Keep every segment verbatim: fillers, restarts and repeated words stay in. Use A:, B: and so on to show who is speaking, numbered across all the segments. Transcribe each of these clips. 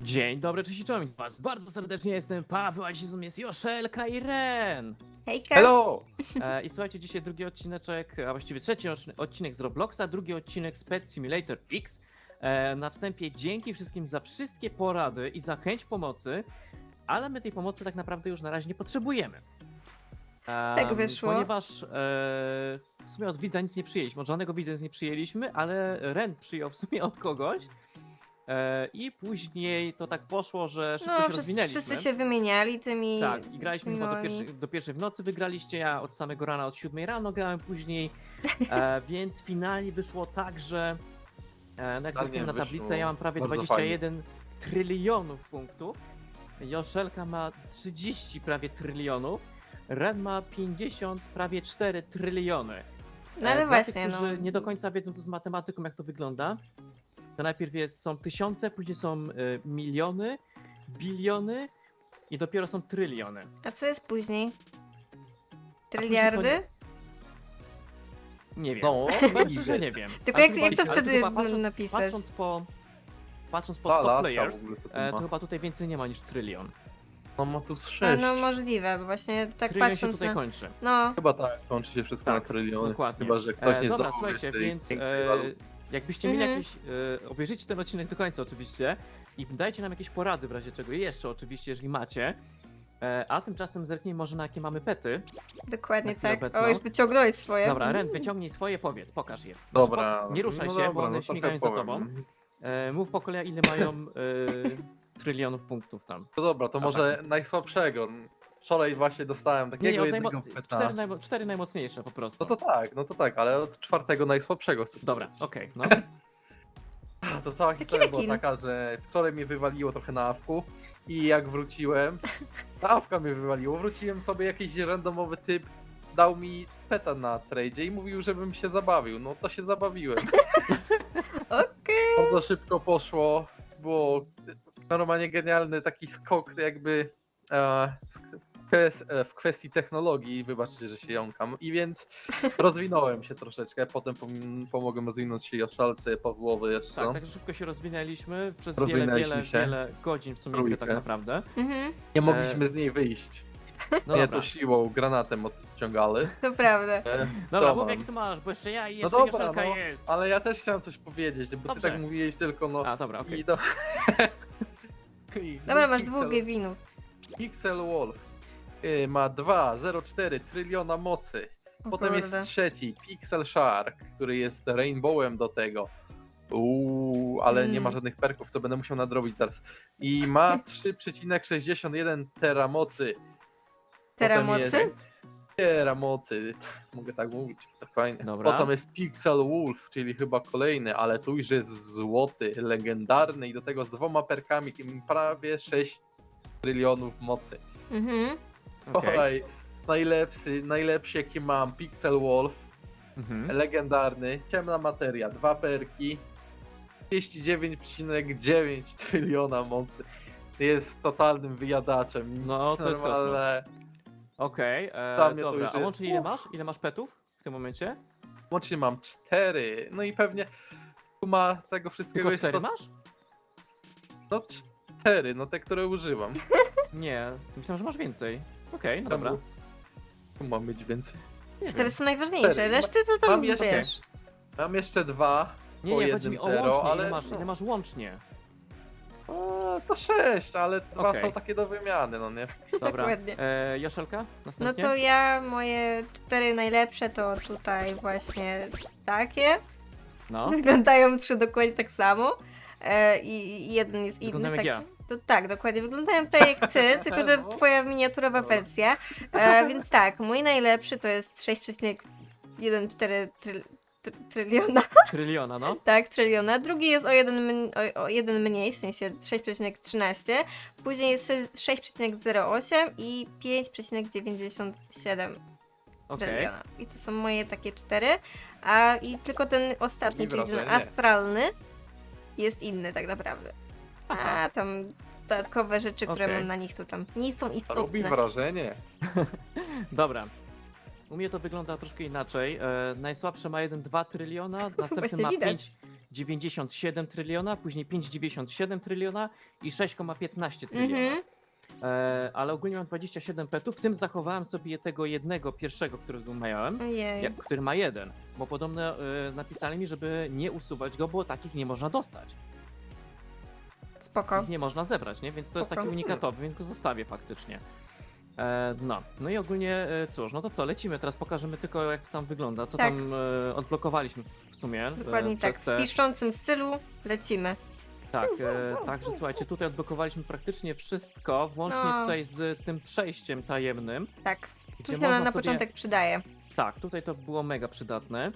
A: Dzień dobry, cześć i czołem was. Bardzo serdecznie jestem Paweł, a dzisiaj z nami jest Joszelka i Ren.
B: Hejka!
C: Hello!
A: E, I słuchajcie, dzisiaj drugi odcineczek, a właściwie trzeci odcinek- odcinek z Robloxa, drugi odcinek z Pet Simulator X. E, na wstępie dzięki wszystkim za wszystkie porady i za chęć pomocy, ale my tej pomocy tak naprawdę już na razie nie potrzebujemy.
B: Tak
A: Em,
B: wyszło.
A: Ponieważ e, w sumie od widza nic nie przyjęliśmy, od żadnego widza nic nie przyjęliśmy, ale Ren przyjął w sumie od kogoś. E, I później to tak poszło, że szybko
B: No,
A: się
B: wszyscy,
A: rozwinęliśmy.
B: wszyscy się wymieniali tymi...
A: Tak, i graliśmy chyba do
B: małami.
A: pierwszej, do pierwszej w nocy, wygraliście, ja od samego rana, od siódmej rano grałem później, e, więc finalnie wyszło tak, że e, no jak
C: Finalnie
A: zerknę na
C: wyszło
A: tablicę, ja mam prawie
C: bardzo
A: dwadzieścia jeden trylionów punktów, Joszelka ma trzydzieści prawie trylionów, Ren ma pięćdziesiąt prawie cztery tryliony.
B: No ale
A: E, dla
B: właśnie,
A: tych, którzy
B: no.
A: nie do końca wiedzą to z matematyką, jak to wygląda, to najpierw jest, są tysiące, później są e, miliony, biliony i dopiero są tryliony.
B: A co jest później?
A: później
B: Tryliardy?
A: Nie wiem.
C: No,
A: Chyba szczerze nie wiem.
B: Tylko
A: Ale
B: jak-
A: chyba-
B: jak to
A: ale
B: wtedy
A: chyba patrząc,
B: napisać?
A: Patrząc po, patrząc po
C: Ta
A: top
C: laska
A: players,
C: w ogóle, co tu
A: e, to
C: ma?
A: chyba tutaj więcej nie ma niż trylion.
C: No ma tu z
B: A,
C: sześć.
B: no możliwe, bo właśnie tak
A: Trylion się
B: patrząc
A: tutaj
B: na...
A: kończy.
B: No,
C: Chyba tak, kończy się wszystko
A: Tak,
C: na tryliony.
A: dokładnie.
C: Chyba, że ktoś
A: E,
C: nie
A: dobra,
C: zdobył
A: słuchajcie,
C: jeszcze tej
A: więc
C: pięknej
A: e,
C: waluty.
A: jakbyście mieli
B: Mhm.
A: jakieś, e, obejrzyjcie ten odcinek do końca oczywiście i dajcie nam jakieś porady w razie czego jeszcze oczywiście, jeżeli macie. E, a tymczasem zerknij może na jakie mamy pety.
B: dokładnie
A: Na chwilę
B: tak.
A: obecną.
B: O, już wyciągnąłeś swoje.
A: Dobra, Ren, wyciągnij swoje, powiedz, pokaż je. Znaczy,
C: Dobra.
A: po- nie ruszaj
C: no
A: się,
C: dobra,
A: bo one
C: no trochę
A: śmigają za
C: powiem.
A: tobą. E, mów po kolei, ile mają e, trylionów punktów tam.
C: No dobra, to
A: Dobra.
C: może najsłabszego. Wczoraj właśnie dostałem
A: Nie,
C: takiego
A: nie, od
C: jednego
A: najmo-
C: peta.
A: cztery, najmo- cztery najmocniejsze po prostu.
C: No to tak, no to tak, ale od czwartego najsłabszego chcę
A: Dobra,
C: powiedzieć.
A: okej, no.
C: To cała historia była
B: rekin.
C: taka, że wczoraj mnie wywaliło trochę na awku i jak wróciłem, ta awka mnie wywaliło, wróciłem sobie, jakiś randomowy typ dał mi peta na tradzie i mówił, żebym się zabawił. No to się zabawiłem.
B: Okej.
C: Bardzo szybko poszło, było normalnie genialny taki skok jakby e, w kwes- e, w kwestii technologii, wybaczcie, że się jąkam, i więc rozwinąłem się troszeczkę, potem pom- pomogłem rozwinąć się Joszalce, Pawłowy jeszcze.
A: Tak, tak szybko się rozwinęliśmy przez wiele,
C: Rozwinęliśmy
A: wiele,
C: się.
A: wiele godzin w sumie gry tak
C: Trójkę.
A: naprawdę.
B: Mhm,
C: Nie mogliśmy z niej wyjść.
A: No
C: Mnie
A: dobra,
C: to siłą, granatem odciągali.
B: to prawda.
C: E,
A: dobra
C: to
A: mów
C: mam.
A: jaki tu masz, bo jeszcze ja i
C: No
A: jeszcze
C: dobra,
A: Joszelka
C: no,
A: jest.
C: ale ja też chciałem coś powiedzieć, bo
A: Dobrze.
C: ty tak mówiłeś tylko no...
A: A, dobra, okej.
C: I do... I
B: Dobra, masz
C: Pixel-
B: dwóch Gevinów.
C: Pixel Wolf y, ma dwa przecinek zero cztery tryliona mocy.
B: O
C: Potem jest
B: kurde.
C: trzeci, Pixel Shark, który jest rainbowem do tego. Uuu, ale nie ma
B: Mm.
C: żadnych perków, co będę musiał nadrobić zaraz. I ma trzy przecinek sześćdziesiąt jeden teramocy.
B: Teramocy?
C: Potem jest teramocy, mogę tak mówić, to fajnie.
A: Dobra.
C: Potem jest Pixel Wolf, czyli chyba kolejny, ale tu już jest złoty, legendarny i do tego z dwoma perkami, kim prawie sześć trylionów mocy.
B: Mhm.
A: okej.
C: Kolej, najlepszy, najlepszy jaki mam, Pixel Wolf,
A: Mhm.
C: legendarny, ciemna materia, dwa perki, trzydzieści dziewięć przecinek dziewięć tryliona mocy. Jest totalnym wyjadaczem.
A: No, to jest
C: Normalne.
A: Okej, e,
C: Dla mnie to
A: dobra,
C: już
A: a
C: jest-
A: łącznie ile masz? Ile masz petów w tym momencie?
C: Łącznie mam cztery, no i pewnie suma tego wszystkiego
A: Tylko
C: jest
A: cztery
C: to,
A: masz?
C: no cztery, no te, które używam.
A: Nie, myślałem, że masz więcej. Okej, no dobra.
C: Czemu? Tu mam mieć więcej.
A: Nie
B: Cztery
A: wiem.
B: są najważniejsze,
C: Cztery.
B: reszty to tam
C: Mam jeszcze-
B: wiesz.
C: Mam jeszcze dwa,
A: Nie,
C: po
A: nie, chodzi mi
C: jednym
A: o
C: zero,
A: łącznie,
C: ale
A: ile masz,
C: no.
A: ile masz łącznie?
C: o, to sześć, ale dwa
A: Okej.
C: są takie do wymiany, no nie?
A: Dobra,
B: Dokładnie.
A: e, Joszelka,
B: No
A: następnie?
B: to ja, moje cztery najlepsze to tutaj właśnie takie.
A: No,
B: Wyglądają trzy dokładnie tak samo. E, i, I jeden jest inny.
A: Wyglądają jak
B: tak,
A: ja.
B: To, tak, dokładnie. Wyglądają prawie jak ty, tylko że
C: No.
B: twoja miniaturowa
C: Dobra.
B: wersja. E, więc tak, mój najlepszy to jest sześć przecinek czternaście tryl, tr, tryliona.
A: tryliona, no.
B: Tak, tryliona. Drugi jest o jeden, mn- o, o jeden mniej, w sensie sześć przecinek trzynaście. Później jest sześć przecinek zero osiem i pięć przecinek dziewięćdziesiąt siedem
A: Okej.
B: tryliona. I to są moje takie cztery. A i tylko ten ostatni,
C: I
B: czyli ten
C: wrażenie.
B: astralny, jest inny tak naprawdę.
A: Aha.
B: A tam dodatkowe rzeczy, które
A: Okej.
B: mam na nich, to tam nie są
C: Robi
B: istotne.
C: wrażenie.
A: Dobra. U mnie to wygląda troszkę inaczej. E, najsłabsze ma jeden przecinek dwa tryliona, następny
B: Właśnie
A: ma
B: widać.
A: pięć dziewięćdziesiąt siedem tryliona, później pięć przecinek dziewięćdziesiąt siedem tryliona i sześć przecinek piętnaście tryliona.
B: Mhm.
A: E, ale ogólnie mam dwadzieścia siedem petów, w tym zachowałem sobie tego jednego pierwszego, którego miałem,
B: Ojej.
A: jak, który ma jeden, bo podobno e, napisali mi, żeby nie usuwać go, bo takich nie można dostać.
B: Spoko.
A: Ich nie można zebrać, nie? Więc to jest
B: Spoko.
A: taki unikatowy, więc go zostawię faktycznie. E, no, no i ogólnie e, cóż, no to co, lecimy, teraz pokażemy tylko jak to tam wygląda, co
B: Tak.
A: tam e, odblokowaliśmy w sumie.
B: Dokładnie
A: e,
B: tak.
A: przez
B: W
A: te...
B: piszczącym stylu lecimy.
A: Tak, e, także słuchajcie, tutaj odblokowaliśmy praktycznie wszystko, włącznie
B: No.
A: tutaj z tym przejściem tajemnym,
B: Tak.
A: gdzie
B: Tu się na,
A: można
B: na
A: sobie...
B: początek przydaje.
A: Tak, tutaj to było mega przydatne.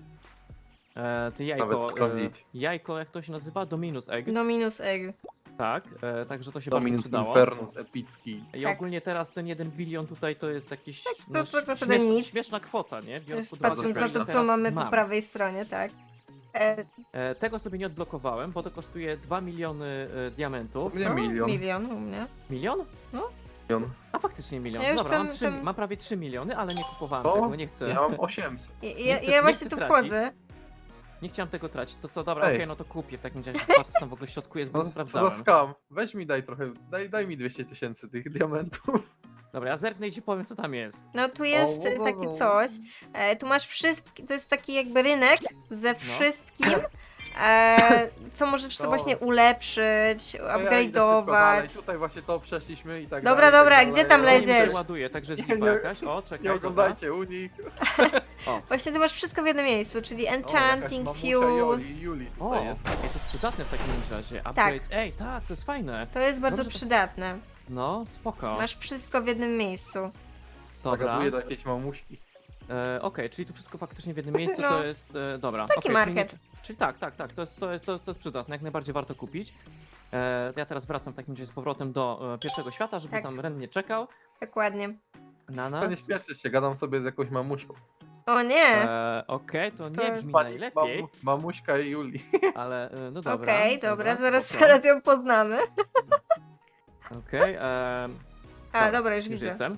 A: E, ty
C: Nawet
A: jajko, e,
C: skrobić.
A: jajko, jak to się nazywa? Dominus egg,
B: No minus egg.
A: tak, e, także to się bardzo
C: Dominus
A: przydało.
C: Infernus epicki.
A: I
B: Tak.
A: ogólnie teraz ten jeden bilion tutaj to jest jakiś
B: to-
A: no,
B: to naprawdę
A: śmieszna,
B: nic.
A: śmieszna kwota, nie? Biorąc
B: Też
A: pod uwagę,
B: patrząc
A: że
B: na
A: ile
B: to, co
A: teraz
B: mamy po
A: mam.
B: prawej stronie, tak. E,
A: E, tego sobie nie odblokowałem, bo to kosztuje dwa miliony e, diamentów.
C: Nie
B: co?
C: milion.
B: Milion u mnie.
A: Milion?
C: Milion.
A: A faktycznie milion.
B: Ja już
A: Dobra, mam,
B: tam-
A: trzy,
B: tam-
A: mam prawie trzy miliony, ale nie kupowałem
C: O,
A: tego, nie chcę.
C: Ja mam osiemset.
B: I,
A: Nie
B: ja,
A: chcę-
B: ja
A: nie
B: właśnie
A: chcę
B: tu
A: tracić.
B: wchodzę.
A: Nie chciałem tego tracić. To co, dobra, okej,
C: Ej.
A: no to kupię w takim razie. Patrz, co tam w ogóle w środku jest, bo
C: No
A: nie
C: co za
A: sprawdzałem.
C: skam. Weź mi daj trochę, daj, daj mi dwieście tysięcy tych diamentów.
A: Dobra, ja zerknę i ci powiem, co tam jest.
B: No tu jest
C: O, o, o,
B: takie
C: o.
B: coś. E, tu masz wszystkie, to jest taki jakby rynek
A: No.
B: ze wszystkim, e, co możesz sobie
C: To-
B: właśnie ulepszyć,
C: To ja idę szybko dalej.
B: upgrade'ować.
C: Tutaj właśnie to przeszliśmy i tak
B: Dobra,
C: dalej.
B: dobra,
C: tak dalej.
B: gdzie tam
C: No,
A: To mi
B: leziesz?
A: się ładuje, także jest
C: Nie,
A: lipa
C: nie.
A: jakaś. O, czekaj,
C: Nie
A: dobra.
C: oglądajcie u nich.
B: Właśnie tu masz wszystko w jednym miejscu, czyli
C: O, jakaś
B: enchanting,
C: mamusia
B: fuse.
C: Joli, Juli
A: O,
C: tutaj jest.
A: ej, to jest przydatne w takim razie. Upgrades. Ej, tak, to jest fajne.
B: To jest bardzo
A: Dobrze, to-
B: przydatne.
A: No, spoko.
B: Masz wszystko w jednym miejscu.
A: Dobra.
C: Zagaduję do jakiejś mamuśki.
A: E, Okej, czyli tu wszystko faktycznie w jednym miejscu,
B: No.
A: to jest, e, dobra.
B: Taki
A: okej,
B: market.
A: Czyli, nie, czyli tak, tak, tak, to jest, to, jest, to, to jest przydatne, jak najbardziej warto kupić. E, to ja teraz wracam w takim razie z powrotem do e, pierwszego świata, żeby
B: Tak.
A: tam Ren nie czekał
B: Dokładnie.
A: na
C: To nie
A: nas.
C: śpieszę się, gadam sobie z jakąś mamuśką.
B: O nie!
A: E, Okej, to
B: To-
A: nie brzmi
C: Pani
A: najlepiej,
C: mamu, mamuśka i Juli.
A: ale e, no dobra.
B: Okej, dobra, zaraz,
A: spoko.
B: zaraz ją poznamy.
A: Okej, e,
B: A,
A: Dobra,
B: dobra, już
A: już
B: widzę.
A: jestem.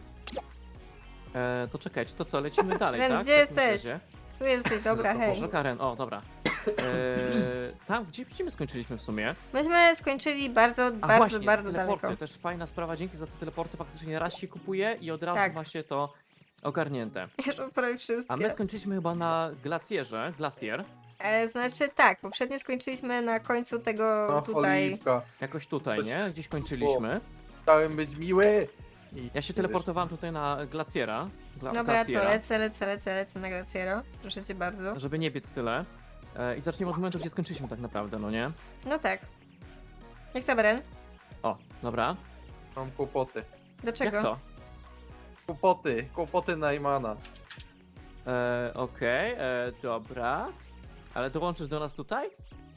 A: E, to czekajcie, to co, lecimy dalej,
B: Ren,
A: tak?
B: gdzie
A: W takim
B: jesteś?
A: razie.
B: Tu jesteś, dobra,
A: O
B: hej.
A: Boże, Karen, o dobra. E, tam, gdzie, gdzie my skończyliśmy w sumie?
B: Myśmy skończyli bardzo,
A: A
B: bardzo,
A: właśnie,
B: bardzo
A: teleporty,
B: daleko.
A: też fajna sprawa, dzięki za te teleporty faktycznie raz się kupuje i od razu
B: Tak.
A: ma się to ogarnięte.
B: Już prawie wszystkie.
A: A my skończyliśmy chyba na glacjerze, glacier,
B: E, znaczy tak, poprzednio skończyliśmy na końcu tego
C: No,
B: tutaj.
C: Oliwka.
A: jakoś tutaj,
C: Coś-
A: nie? Gdzieś kończyliśmy.
C: Chciałem być miły. I
A: Ja się teleportowałem tutaj na glaciera, gla,
B: Dobra, to
A: glaciera,
B: lecę, lecę, lecę, lecę na Glaciero. Proszę cię bardzo.
A: żeby nie biec tyle. E, I zaczniemy od momentu, gdzie skończyliśmy tak naprawdę, no nie?
B: No tak. Jak to, Bren?
A: O, dobra.
C: Mam kłopoty.
B: Do czego?
A: Jak to?
C: Kłopoty, kłopoty Najmana.
A: E, Okej, e, dobra. Ale dołączysz do nas tutaj?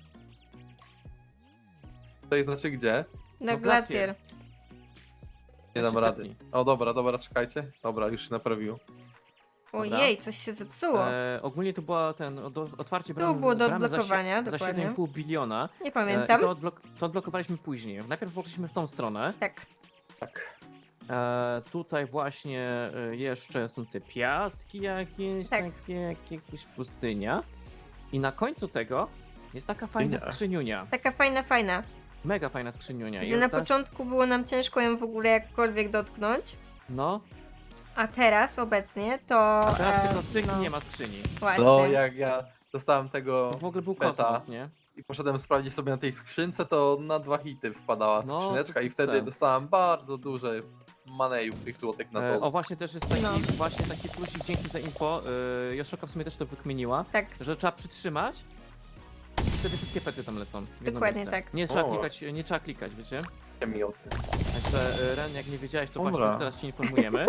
C: To znaczy gdzie?
B: Na
A: No,
B: Glacier.
A: Glacier.
C: Nie
A: Ja
C: dam
A: się
C: rady.
A: tepnij.
C: O dobra, dobra, czekajcie. Dobra, już się naprawiło.
A: Dobra.
B: Ojej, coś się zepsuło.
A: E, ogólnie to była ten do, otwarcie
B: Tu
A: bramy,
B: było do
A: bramy za,
B: odblokowania,
A: sie- za
B: dokładnie.
A: siedem i pół biliona.
B: Nie
A: E,
B: pamiętam.
A: I to, odblok to odblokowaliśmy później. Najpierw poszliśmy w tą stronę.
B: Tak.
C: Tak.
A: E, tutaj właśnie e, jeszcze są te piaski jakieś,
B: Tak.
A: takie, jak jakaś pustynia. I na końcu tego jest taka fajna
C: Pustynia.
A: skrzyniunia.
B: Taka fajna, fajna.
A: Mega fajna skrzyniunia. I
B: Gdzie na
A: ta-
B: początku było nam ciężko ją w ogóle jakkolwiek dotknąć.
A: No,
B: A teraz, obecnie, to...
A: a teraz
B: e,
A: tylko cyk
B: no,
A: nie ma skrzyni.
B: Właśnie.
C: No jak ja dostałem tego
A: To w ogóle był
C: beta.
A: kosmos, nie?
C: i poszedłem sprawdzić sobie na tej skrzynce, to na dwa hity wpadała
A: No,
C: skrzyneczka i
A: to
C: wtedy
A: ten.
C: dostałem bardzo duże manejów tych złotych na
A: E,
C: to.
A: o właśnie też jest taki,
B: No.
A: właśnie taki plusik, dzięki za info. E, Joszoka w sumie też to wykminiła,
B: Tak,
A: że trzeba przytrzymać i wtedy wszystkie pety tam lecą. w jedno
B: Dokładnie
A: miejsce.
B: tak.
A: Nie trzeba
C: O.
A: klikać, nie trzeba klikać, wiecie?
C: mi o tym.
A: Także e, Ren, jak nie wiedziałeś, to
C: Dobra.
A: właśnie już teraz ci informujemy.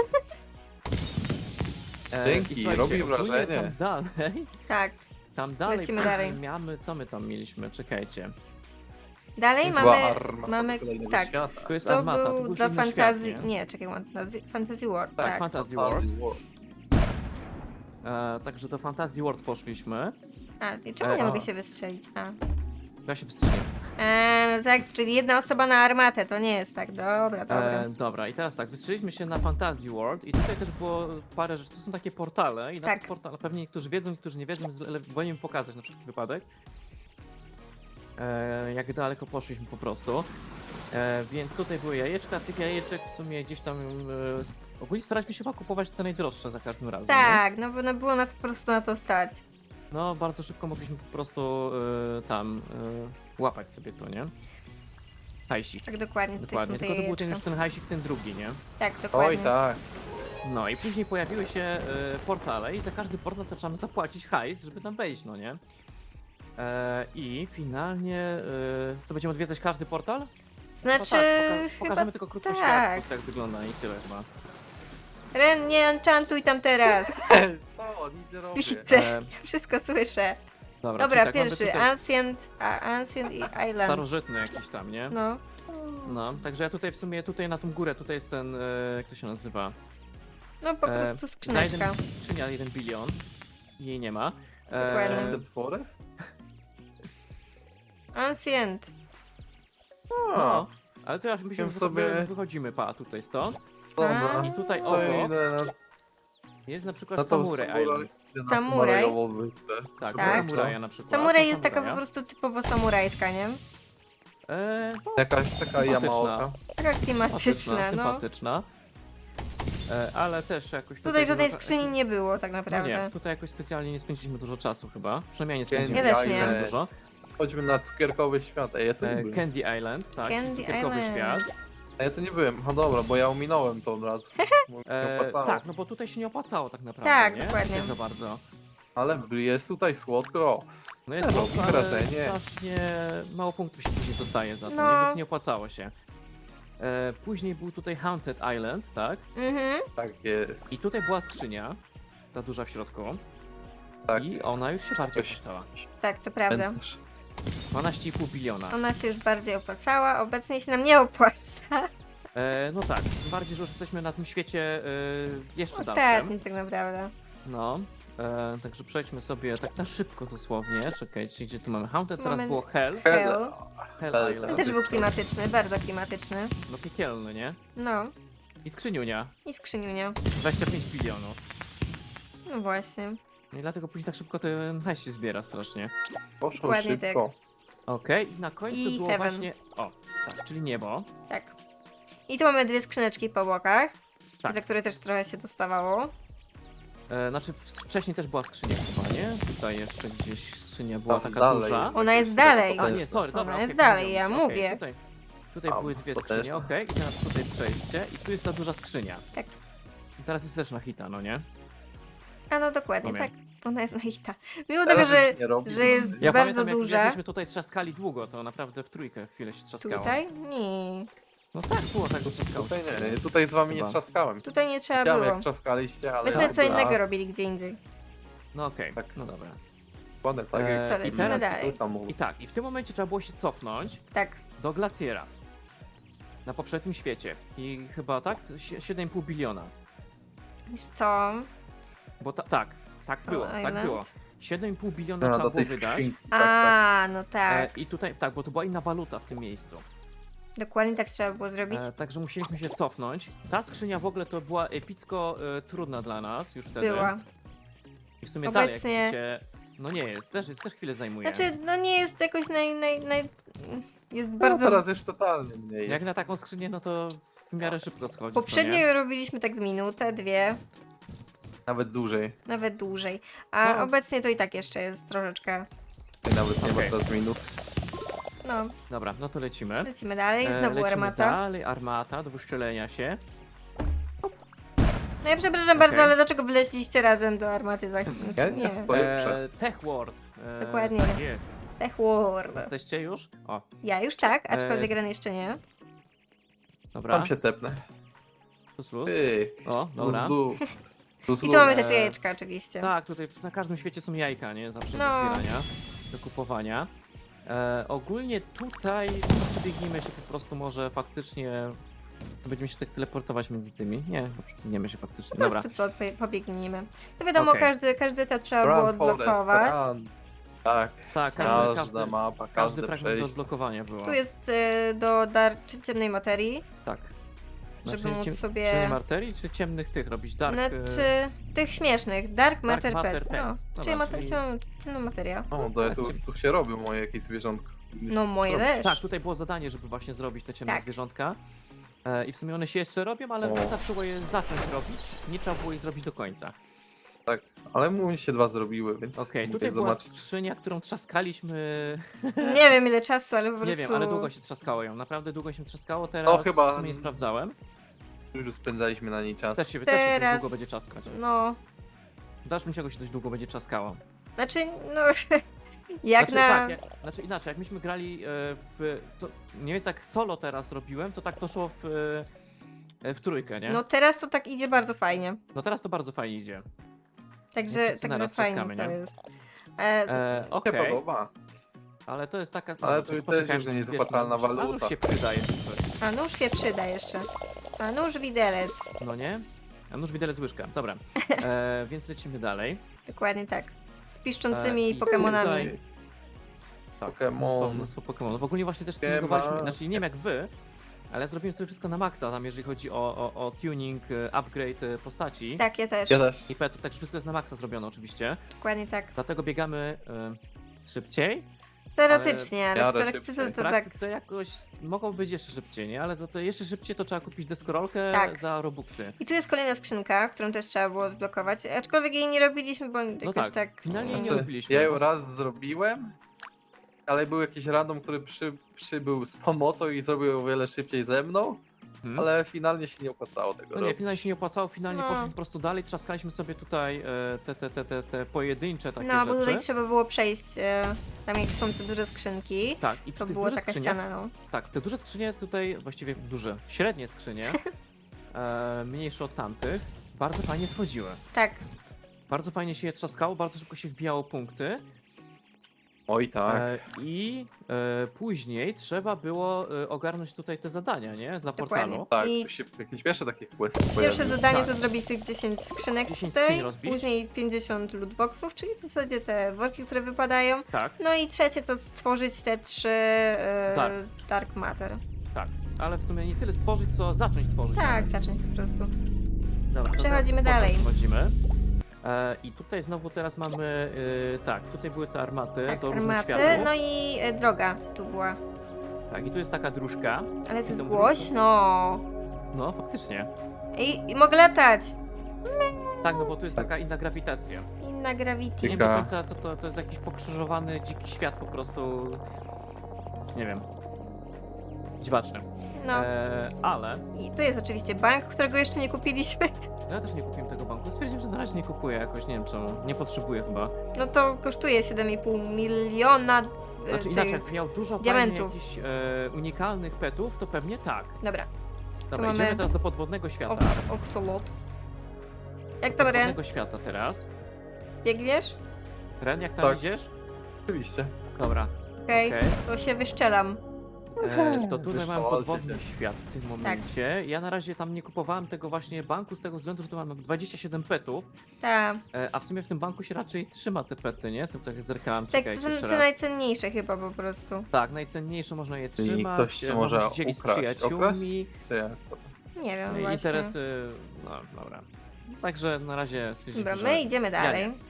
A: E,
C: Dzięki,
A: i słuchajcie,
C: robi
A: ogólnie
C: wrażenie.
A: Tam dalej,
B: tak.
A: tam dalej,
B: Lecimy
A: później
B: dalej.
A: Mamy, co my tam mieliśmy? Czekajcie.
B: Dalej
C: Była
B: mamy...
C: armata
B: mamy-
C: do kolejnego
B: tak.
C: świata.
A: Tu jest
B: To
A: armata, to
B: był
A: był
B: dla
A: inny
B: fantazji...
A: świat, nie?
B: nie, czekaj, fantasy, fantasy World,
A: Tak,
B: tak.
A: Fantasy
C: Fantasy
A: World.
C: World.
A: E, także do Fantasy World poszliśmy.
B: A, i czemu
A: E,
B: nie
A: a.
B: mogę się wystrzelić? A.
A: Ja się wstrzymam.
B: E, no tak, czyli jedna osoba na armatę, to nie jest tak. Dobra, dobra.
A: E, dobra, i teraz tak, wystrzeliliśmy się na Fantasy World i tutaj też było parę rzeczy, tu są takie portale i na
B: Tak.
A: tych portalach pewnie niektórzy wiedzą, niektórzy nie wiedzą, więc wolę im pokazać na wszelki wypadek. e, jak daleko poszliśmy po prostu. E, więc tutaj były jajeczka, tych jajeczek w sumie gdzieś tam... E, s- ogólnie staraliśmy się chyba kupować te najdroższe za każdym razem, nie?
B: Tak, no bo no było nas po prostu na to stać.
A: No, bardzo szybko mogliśmy po prostu e, tam e, łapać sobie to, nie? Hajsik.
B: Tak dokładnie, tutaj
A: Dokładnie,
B: są te
A: tylko to był ten już
B: jajeczka.
A: ten hajsik, ten drugi, nie?
B: Tak, dokładnie.
C: Oj tak.
A: No i później pojawiły się e, portale i za każdy portal to trzeba zapłacić hajs, żeby tam wejść, no nie? E, I finalnie, e, co, będziemy odwiedzać każdy portal? No
B: Znaczy,
A: tak, poka-
B: chyba
A: pokażemy tylko krótko
B: tak.
A: świat, po prostu jak wygląda i tyle chyba.
B: Ren, nie enchantuj tam teraz.
C: Co? Nic nie robię.
B: Widzę,
A: E,
B: wszystko słyszę.
A: dobra,
B: Dobra,
A: czyli tak, mamy
B: pierwszy,
A: tutaj
B: Ancient, a, Ancient i Island.
A: starożytny jakiś tam, nie?
B: No.
A: No, także ja tutaj w sumie, tutaj na tą górę, tutaj jest ten, e, jak to się nazywa?
B: No po
A: E,
B: prostu
A: za
B: skrzyneczka.
A: jeden, skrzynia jeden bilion. Jej nie ma.
B: Dokładnie.
C: Enchanted Forest?
B: Ancient.
C: A,
A: No, ale to ja myślę, że
C: Wiem
A: sobie
C: sobie-
A: wychodzimy, pa, tutaj stąd.
C: dobra.
A: I tutaj
C: To
A: obok
C: idę na,
A: jest na przykład
C: na tą
A: Samurai
C: samuraj.
A: Island.
C: idę na
B: Samuraj.
C: samurajową wyspę.
A: Tak,
B: Tak.
A: samuraja na przykład.
B: Samuraj
A: To
B: jest taka po
A: samuraja.
B: prostu typowo samurajska, nie?
A: E, no,
C: Jakaś taka
A: Sympatyczna.
C: Yamaoka.
B: Taka
A: sympatyczna,
B: klimatyczna, no.
A: sympatyczna. E, ale też jakoś tutaj...
B: Tutaj żadnej
A: wymaga-
B: skrzyni nie było tak
A: No
B: naprawdę.
A: nie, tutaj jakoś specjalnie nie spędziliśmy dużo czasu chyba. Przynajmniej nie
C: Candy
A: spędziliśmy
B: Ja też nie.
A: specjalnie dużo.
C: Chodźmy na cukierkowy świat. Ej, ja tu nie
A: E,
C: byłem.
A: Candy Island, tak, czyli
B: Candy
A: cukierkowy
B: Island.
A: świat.
C: A ja tu nie byłem. No dobra, bo ja ominąłem to od razu. Bo mi nie
A: E,
C: opłacało.
A: tak, no bo tutaj się nie opłacało tak naprawdę,
B: Tak,
A: nie?
B: dokładnie.
A: Nie za bardzo.
C: Ale jest tutaj słodko.
A: No jest
C: Robi
A: słodko, ale
C: wrażenie.
A: strasznie mało punktów się później dostaje za to,
B: No.
A: nie? Więc nie opłacało się. E, później był tutaj Haunted Island, tak?
B: Mhm.
C: Tak jest.
A: I tutaj była skrzynia, ta duża w środku.
C: Tak.
A: I ona już się bardziej
C: Coś-
A: opłacała.
B: Tak, to prawda.
C: Pamiętasz?
A: dwanaście i pół biliona.
B: Ona się już bardziej opłacała, obecnie się nam nie opłaca.
A: E, no tak, tym bardziej, że już jesteśmy na tym świecie e, jeszcze dalszym.
B: Ostatnim tak naprawdę.
A: No, e, także przejdźmy sobie tak na szybko dosłownie. Czekajcie, gdzie tu mamy Haunted, teraz
B: Mamy-
A: było Hell.
B: Hell.
C: Hell.
A: Hell
C: Hell,
A: Island.
B: Ten też był
C: jest to.
B: klimatyczny, bardzo klimatyczny.
A: No piekielny, nie?
B: No.
A: I skrzyniunia,
B: I skrzyniunia.
A: dwadzieścia pięć bilionów.
B: No właśnie.
A: No i dlatego później tak szybko ten hajs się zbiera strasznie.
C: Poszło
B: Dokładnie
C: szybko.
A: Okej, i na końcu
B: I
A: było
B: heaven.
A: właśnie... O, tak, czyli niebo.
B: Tak. I tu mamy dwie skrzyneczki po bokach,
A: Tak.
B: za które też trochę się dostawało.
A: E, znaczy wcześniej też była skrzynia chyba, nie? Tutaj jeszcze gdzieś skrzynia była
C: Tam
A: taka
C: dalej
A: duża.
C: jest.
B: Ona jest
C: Jest
B: dalej.
C: taka
A: A nie, sorry,
B: Ona
A: dobra.
B: jest
A: okej,
B: dalej,
A: pomyliłem
B: ja
A: się, okej,
B: mówię.
A: Tutaj, tutaj
C: A,
A: były dwie
C: to
A: skrzynie,
C: też.
A: okej. I teraz tutaj przejście i tu jest ta duża skrzynia.
B: Tak.
A: I teraz jest też na hita, no nie?
B: A no dokładnie,
A: Rozumiem.
B: tak. Ona jest na hita. Mimo
C: Teraz
B: tego, że,
C: już nie robi.
B: że jest
A: Ja
B: bardzo
A: pamiętam, jak,
B: duża.
A: jak myśmy tutaj trzaskali długo, to naprawdę w trójkę chwilę się trzaskało.
B: Tutaj? Nie.
A: No tak, było tak, że trzaskało.
C: Tutaj nie, nie, tutaj z wami nie
A: Chyba.
C: trzaskałem.
B: Tutaj nie trzeba
C: Widziałem
B: było.
C: jak trzaskaliście, ale...
B: Myśmy co
C: dobra,
B: innego robili gdzie indziej.
A: No okej,
C: Tak.
A: no dobra.
C: Ładne, tak
A: Eee,
C: jak
B: Co,
A: i
B: lecimy
A: teraz-
B: dalej.
C: tam mówił.
A: I tak, i w tym momencie trzeba było się cofnąć
B: Tak.
A: do glaciera. Na poprzednim świecie. I chyba tak? Sie- siedem i pół biliona.
B: Wiesz co?
A: Bo ta, tak, tak było, tak
B: Island?
A: było. siedem i pół biliona
C: No,
A: trzeba
C: do
A: było
C: tej
A: wydać.
C: skrzynki. Tak, tak.
B: A, no
A: E,
B: tak.
A: I tutaj, tak, bo to była inna waluta w tym miejscu.
B: Dokładnie tak trzeba było zrobić.
A: E, także musieliśmy się cofnąć. Ta skrzynia w ogóle to była epicko e, trudna dla nas już wtedy.
B: Była.
A: I w sumie
B: Obecnie-
A: dalej, jak widzicie, no nie jest, też, też chwilę zajmuje.
B: Znaczy, no nie jest jakoś naj... naj, naj... Jest
C: No,
B: bardzo...
C: teraz już totalnie mniej jest.
A: Jak na taką skrzynię, no to w miarę szybko schodzi.
B: Poprzednio robiliśmy tak z minutę, dwie,
C: Nawet dłużej.
B: nawet dłużej. A
A: No.
B: obecnie to i tak jeszcze jest troszeczkę.
C: I nawet nie
A: Okej.
C: ma teraz minut.
B: No,
A: Dobra, no to lecimy.
B: lecimy dalej.
A: E,
B: Znowu
A: lecimy
B: armata.
A: dalej, armata do wyszczelenia się.
B: No ja przepraszam
A: Okej.
B: bardzo, ale dlaczego wleźliście razem do armaty za chwilę?
C: Ja
B: Znaczy,
C: nie
B: nie.
C: stoję przed.
A: E, Tech World. E,
B: Dokładnie.
A: Tak jest.
B: Tech World.
A: Jesteście już? O,
B: Ja już tak, aczkolwiek
A: E,
B: Ren jeszcze nie.
A: dobra.
C: Tam się tepnę.
A: Plus, plus.
C: Ty.
A: O,
C: Plus
A: dobra.
C: blue. Plus
B: I tu
C: blue.
B: mamy też
A: e,
B: jajeczka oczywiście.
A: Tak, tutaj na każdym świecie są jajka, nie? Zawsze
B: No.
A: do zbierania, do kupowania. E, ogólnie tutaj przebiegnijmy się po prostu może faktycznie... Będziemy się tak teleportować między tymi. Nie, przebiegnijmy się faktycznie.
B: Po
A: Dobra.
B: prostu po, pobiegnijmy. To wiadomo,
A: Okej.
B: każdy, każdy to trzeba było
C: Run Forest,
B: odblokować.
C: run. Tak,
A: Tak, każdy,
C: każda
A: każdy,
C: mapa,
A: każdy
C: każde
A: fragment do
C: przejście.
A: odblokowania było.
B: Tu jest y, do dar czy ciemnej materii,
A: Tak.
B: żeby móc
A: ciem-
B: sobie-
A: Ciemnej marterii czy ciemnych tych robić? Dark... e,
B: znaczy tych śmiesznych. Dark Matter,
A: Matter
B: Pet.
A: Pets.
B: No,
A: Dobra,
B: czyli mate-
A: czyli-
B: ciemna- ciemna materia.
C: O, to ja tu, tu się robią moje jakieś zwierzątko.
B: No moje
C: O,
B: też.
A: Tak, tutaj było zadanie, żeby właśnie zrobić te ciemne
B: Tak.
A: zwierzątka. E, I w sumie one się jeszcze robią, ale
C: O.
A: zawsze było je zacząć robić. Nie trzeba było je zrobić do końca.
C: Tak, ale mu się dwa zrobiły, więc
A: Okej,
C: mogę
A: tutaj była
C: zobaczyć.
A: skrzynia, którą trzaskaliśmy.
B: Nie wiem ile czasu, ale po prostu...
A: Nie wiem, ale długo się trzaskało ją. Naprawdę długo się trzaskało. Teraz
C: No, chyba-
A: w sumie nie sprawdzałem.
C: Dużo spędzaliśmy na niej czas.
A: Też się, też się dość
B: Teraz...
A: długo będzie czaskać.
B: No,
A: W dalszym ciągu się dość długo będzie trzaskało.
B: znaczy, no... Jak
A: znaczy,
B: na...
A: tak, jak, znaczy inaczej, jak myśmy grali e, w. To, nie wiem, jak solo teraz robiłem, to tak to szło w, e, w trójkę, nie?
B: No
A: No.
B: teraz to tak idzie bardzo fajnie.
A: Teraz to bardzo fajnie idzie.
B: Także,
A: wszyscy
B: także
A: naraz
B: fajnie
A: trzaskamy,
B: to
A: nie?
B: jest. E,
A: E,
C: Się
A: Okej,
C: podoba.
A: ale to jest taka.
C: Ale
A: dobra,
C: to
A: poczekajmy,
C: też już
A: żeby
C: niezapłacalna
A: zbierzmy. A
C: waluta.
A: nóż się przydaje. coś.
B: a nóż się przyda jeszcze. A nóż widelec.
A: No nie? A nóż widelec łyżka. Dobra. E, więc lecimy dalej.
B: Dokładnie tak. Z piszczącymi
A: E, i
B: Pokemonami.
A: tutaj- Tak,
C: Pokemon.
A: mnóstwo, mnóstwo Pokemonów. Ogólnie właśnie też
C: Siema.
A: tuningowaliśmy, znaczy nie wiem jak wy, ale ja zrobiłem sobie wszystko na maksa, tam jeżeli chodzi o, o, o tuning, e, upgrade e, postaci
B: Tak, ja też.
C: Ja też.
A: i petów, także wszystko jest na maksa zrobione oczywiście.
B: Dokładnie tak.
A: Dlatego biegamy e, szybciej.
B: Teoretycznie, ale,
C: w
B: w
C: miarę
B: praktyce
C: szybciej.
B: to,
A: W
B: tak.
A: praktyce jakoś mogło być jeszcze szybciej, nie? Ale za to jeszcze szybciej to trzeba kupić deskorolkę
B: Tak.
A: za robuxy.
B: I tu jest kolejna skrzynka, którą też trzeba było odblokować. Aczkolwiek jej nie robiliśmy, bo jakoś
A: No
B: tak.
A: tak, finalnie nie
C: Znaczy,
A: robiliśmy.
C: ja ją raz zrobiłem, ale był jakiś random, który przy, przybył z pomocą i zrobił ją o wiele szybciej ze mną,
A: Hmm?
C: ale finalnie się nie opłacało tego
A: No nie,
C: robić.
A: finalnie się nie opłacało, finalnie
B: No.
A: poszliśmy po prostu dalej, trzaskaliśmy sobie tutaj e, te, te, te, te, te pojedyncze takie
B: No, bo
A: rzeczy.
B: tutaj trzeba było przejść, e, tam jak są te duże skrzynki.
A: Tak, i przy
B: To
A: tych
B: była
A: dużych
B: taka
A: skrzyniach,
B: ściana, no.
A: tak, te duże skrzynie tutaj, właściwie duże, średnie skrzynie, e, mniejsze od tamtych, bardzo fajnie schodziły.
B: Tak,
A: Bardzo fajnie się je trzaskało, bardzo szybko się wbijało punkty.
C: Oj tak.
A: E, I e, później trzeba było e, ogarnąć tutaj te zadania, nie? Dla
B: Dokładnie.
A: portalu.
C: Tak,
B: i-
C: tu się jakieś pierwsze takie questy
B: pierwsze
C: pojawiły.
B: zadanie
A: Tak.
B: to zrobić tych dziesięć skrzynek
A: dziesięć
B: tutaj,
A: skrzyń rozbić.
B: później pięćdziesiąt lootboxów, czyli w zasadzie te worki, które wypadają.
A: Tak,
B: No i trzecie to stworzyć te trzy e,
A: Tak.
B: Dark Matter.
A: tak. Ale w sumie nie tyle stworzyć, co zacząć tworzyć.
B: Tak, zacząć po prostu.
A: Dobra, to
B: Przechodzimy
A: teraz
B: dalej.
A: Przechodzimy. E, I tutaj znowu teraz mamy, e, tak, tutaj były te armaty
B: Tak,
A: do różnych
B: armaty,
A: światów.
B: no i e, droga tu była.
A: Tak, i tu jest taka dróżka.
B: Ale to jest
A: Tą
B: głośno.
A: No, faktycznie.
B: I, I mogę latać.
A: Tak, no bo tu jest taka inna grawitacja.
B: Inna gravity.
A: Nie wiem do
C: Taka-
A: końca co to, to jest jakiś pokrzyżowany dziki świat po prostu. Nie wiem. Dziwaczny.
B: No.
A: E, ale
B: I tu jest oczywiście bank, którego jeszcze nie kupiliśmy.
A: no ja też nie kupiłem tego banku. Stwierdziłem, że na razie nie kupuję jakoś, nie wiem czemu. Nie potrzebuję chyba.
B: No to kosztuje siedem i pół miliona. e,
A: Znaczy
B: tych-
A: inaczej, jak miał dużo
B: diamentów.
A: fajnych jakichś e, unikalnych petów, to pewnie tak.
B: Dobra,
A: Dobra,
B: mamy-
A: idziemy teraz do podwodnego świata.
B: Oks Oxolot. Jak to Ren?
A: Podwodnego świata teraz.
B: Biegniesz?
A: Ren, jak tam
C: Tak.
A: idziesz?
C: Oczywiście.
A: Dobra,
B: Okej,
A: okej.
B: to się wyszczelam.
A: E, to tutaj mam
C: Wyszalcie
A: podwodny
C: się.
A: świat w tym
B: Tak.
A: momencie. Ja na razie tam nie kupowałem tego właśnie banku z tego względu, że tu mam dwadzieścia siedem petów,
B: Tak,
A: e, a w sumie w tym banku się raczej trzyma te pety, nie? To tak zerkałem,
B: tak
A: czekajcie
B: to
A: jeszcze
B: są te
A: raz.
B: najcenniejsze chyba po prostu.
A: Tak, najcenniejsze można je
C: Czyli
A: trzymać,
C: ktoś się
A: e,
C: może
A: można się dzielić z
C: ukraść.
A: przyjaciółmi,
C: To ja.
B: Nie wiem
A: no i
B: właśnie.
A: interesy, no dobra. Także na razie stwierdziliśmy,
B: Dobra,
A: że...
B: my idziemy dalej.
A: nie.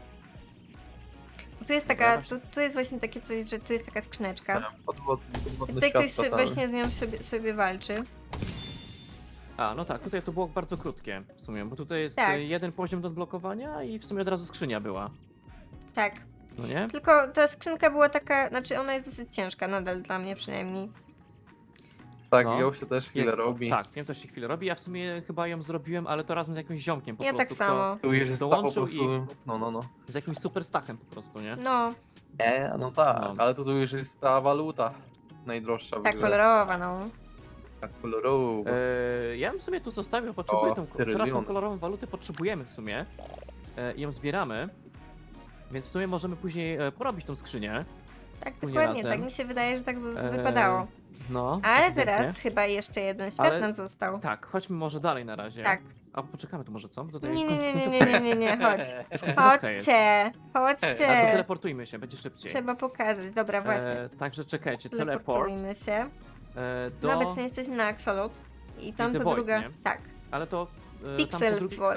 B: Tu jest
A: Dobra,
B: taka,
A: właśnie.
B: tu, tu jest właśnie takie coś, że tu jest taka skrzyneczka.
C: Podwodny, podwodny
B: Tutaj
C: świat
B: ktoś sobie,
C: totalny.
B: właśnie z nią sobie, sobie walczy.
A: A, no tak, tutaj to było bardzo krótkie w sumie, bo tutaj jest
B: Tak.
A: e, jeden poziom do odblokowania i w sumie od razu skrzynia była,
B: Tak.
A: no nie?
B: Tylko ta skrzynka była taka, znaczy ona jest dosyć ciężka nadal dla mnie przynajmniej.
C: Tak,
A: No.
C: ją się też chwilę
A: Jest-
C: robi.
A: Tak, wiem, też się chwilę robi. Ja w sumie chyba ją zrobiłem, ale to razem z jakimś ziomkiem po
B: Ja
A: prostu.
B: tak samo.
C: Tu już jest ta po
A: dołączył
C: prostu. No, no, no.
A: Z jakimś super stachem po prostu, nie?
B: No,
C: Nie, no tak,
A: No.
C: ale to tu już jest ta waluta najdroższa w
B: tak
C: grze.
B: kolorowa, no.
C: Tak kolorowa.
A: Eee, ja bym sobie tu zostawił, potrzebuję
C: O,
A: tą, teraz tą
C: trylion.
A: kolorową walutę potrzebujemy w sumie. E, i ją zbieramy. Więc w sumie możemy później e, porobić tą skrzynię.
B: Tak,
A: Wspólnie
B: dokładnie,
A: razem.
B: tak mi się wydaje, że tak by
A: Eee,
B: wypadało.
A: No.
B: Ale
A: ewidentnie.
B: teraz chyba jeszcze jeden świat
A: Ale-
B: nam został.
A: Tak, chodźmy może dalej na razie.
B: Tak.
A: A poczekamy tu może, co? Bo tutaj
B: Nie,
A: w
B: nie,
A: końcu-
B: nie, nie,
A: końcówka
B: nie, nie, nie, nie, chodź.
A: jest. Końcówka jest.
B: Chodźcie,
A: A to
B: chodźcie.
A: teleportujmy się, będzie szybciej.
B: Trzeba pokazać, dobra, właśnie.
A: E, także czekajcie, teleport.
B: Teleportujmy się.
A: E,
B: No
A: do...
B: obecnie jesteśmy na Axolot. I tam
A: The
B: to
A: Void,
B: druga.
A: nie?
B: Tak.
A: Ale to... e, tam po
B: Pixel
A: drugiej-
B: Forest.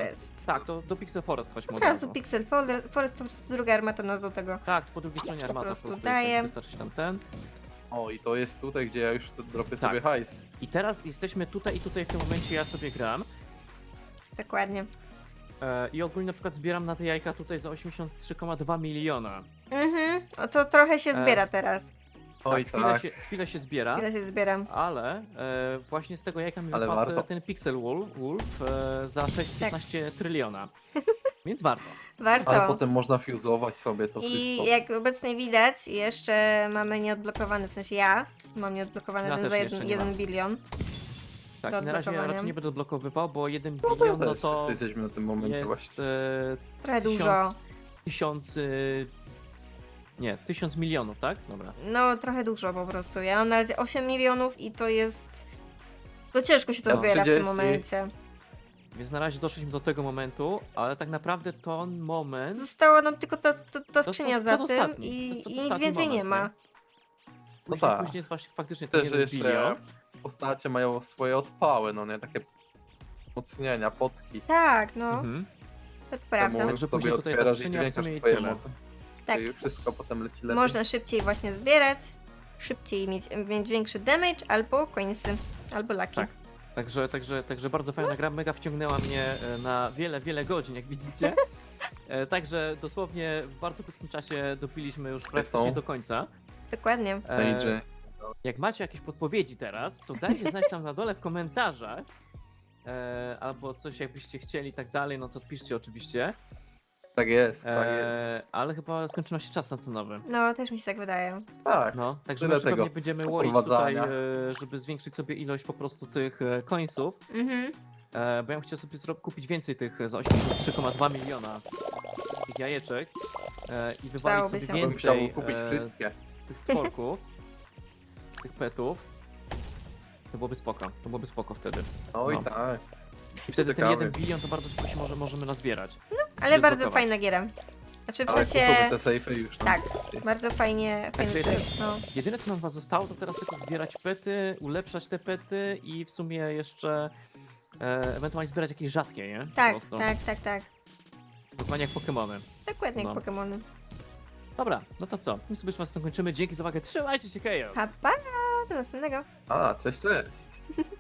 A: Tak, to do Pixel Forest chodźmy
B: Od
A: od
B: razu
A: razu.
B: Pixel Forest, Forest po prostu druga armata nas do tego.
A: Tak, po drugiej stronie armata po
B: prostu
A: prostu,
B: daję.
A: jest, tak, wystarczy tam ten.
C: O, i to jest tutaj, gdzie ja już to dropię
A: Tak.
C: sobie hajs.
A: I teraz jesteśmy tutaj i tutaj w tym momencie ja sobie gram.
B: Dokładnie.
A: E, I ogólnie na przykład zbieram na te jajka tutaj za osiemdziesiąt trzy przecinek dwa miliona.
B: Mhm, o to trochę się
A: E,
B: zbiera teraz.
C: Oj,
A: chwilę,
C: tak.
A: się, chwilę się zbiera,
B: Ile się zbieram.
A: ale e, właśnie z tego jajka mi
C: Ale
A: wypadł
C: warto.
A: ten Pixel Wolf, Wolf e, za sześć przecinek piętnaście tryliona. Więc warto.
B: Warto.
C: Ale potem można fuzować sobie to
B: I
C: wszystko.
B: jak obecnie widać, jeszcze mamy nieodblokowany, w sensie ja mam nieodblokowany
A: Ja
B: ten
A: też
B: za
A: jeszcze
B: jeden,
A: nie
B: jeden
A: mam.
B: bilion.
A: Tak,
B: Do
A: i na razie
B: odblokowania.
A: raczej nie będę odblokowywał, bo jeden
C: No
A: bilion
C: to
A: no
C: też
A: to
C: wszyscy jesteśmy na tym momencie
A: jest
C: właśnie.
A: e,
B: Trochę
A: tysiąc,
B: dużo.
A: tysiąc y, nie, tysiąc milionów, tak? Dobra.
B: No, trochę dużo po prostu. Ja mam na razie osiem milionów i to jest... To ciężko się to
C: Ja
B: zbiera w tym
C: trzydzieści.
B: momencie.
A: Więc na razie doszliśmy do tego momentu, ale tak naprawdę to moment...
B: Została nam tylko ta, ta, ta
A: To
B: skrzynia
A: jest
B: za
A: to
B: tym
A: ostatni. To
B: i,
A: jest to
B: i nic
A: ostatni
B: więcej nie
A: moment,
B: ma.
A: nie?
C: No
A: Później,
C: tak.
A: później jest właśnie faktycznie ten
C: Też
A: jeden
C: jeszcze
A: bilion.
C: postacie mają swoje odpały, no nie? Takie wzmocnienia, potki.
B: Tak, no,
A: Mhm.
B: to
C: Temu
B: prawda.
A: Także
C: sobie
A: później tutaj ta
C: otwierasz i
A: skrzynia w
C: zwiększasz
A: sumie i
C: swoje
A: tyle.
C: moce.
B: Tak.
C: I wszystko potem leci lepiej.
B: Można szybciej właśnie zbierać, szybciej mieć, mieć większy damage, albo coinsy, albo laki.
A: Tak. Także, także, także bardzo fajna gra, mega wciągnęła mnie e, na wiele, wiele godzin, jak widzicie. E, Także dosłownie w bardzo krótkim czasie dopiliśmy już praktycznie
C: są?
A: do końca.
B: Dokładnie.
A: E,
C: Będzie.
A: Jak macie jakieś podpowiedzi teraz, to dajcie znać tam na dole w komentarzach. E, albo coś jakbyście chcieli i tak dalej, no to piszcie oczywiście.
C: Tak jest, tak jest.
A: E, ale chyba skończył nam się czas na ten nowy.
B: No, też mi się tak wydaje.
C: Tak.
A: No, także
C: Tyle
A: może pewnie
C: tego
A: będziemy łoić tutaj,
C: wprowadzania.
A: e, żeby zwiększyć sobie ilość po prostu tych e, coinsów.
B: Mhm.
A: E, bo ja bym chciał sobie zro- kupić więcej tych e, za osiemdziesiąt trzy przecinek dwa miliona tych jajeczek e, i wywalić
B: Przydałoby
A: sobie
B: się.
C: Ja bym chciał
A: więcej
C: kupić
A: e,
C: wszystkie.
A: tych stworków, tych petów. To byłoby spoko, to byłoby spoko wtedy.
C: Oj
A: No.
C: tak.
A: I wtedy ten
C: Ciekawy.
A: jeden bilion to bardzo szybko się może, możemy nazbierać.
B: Ale bardzo
A: Odblokować.
B: fajna giera. Znaczy w
C: Ale
B: sensie...
C: kupuję te sejfy już. no.
B: Tak, bardzo fajnie, fajnie
A: Także
B: to, no.
A: Jedyne co nam was zostało to teraz tylko zbierać pety, ulepszać te pety i w sumie jeszcze e, ewentualnie zbierać jakieś rzadkie, nie? Po
B: Tak,
A: prostu.
B: tak, tak, tak.
A: Dokładnie jak Pokemony.
B: Dokładnie jak
A: No.
B: Pokemony.
A: Dobra, no to co? My sobie już was kończymy. Dzięki za uwagę. Trzymajcie się, Chaos!
B: Pa, pa! Do następnego.
C: A, cześć, cześć.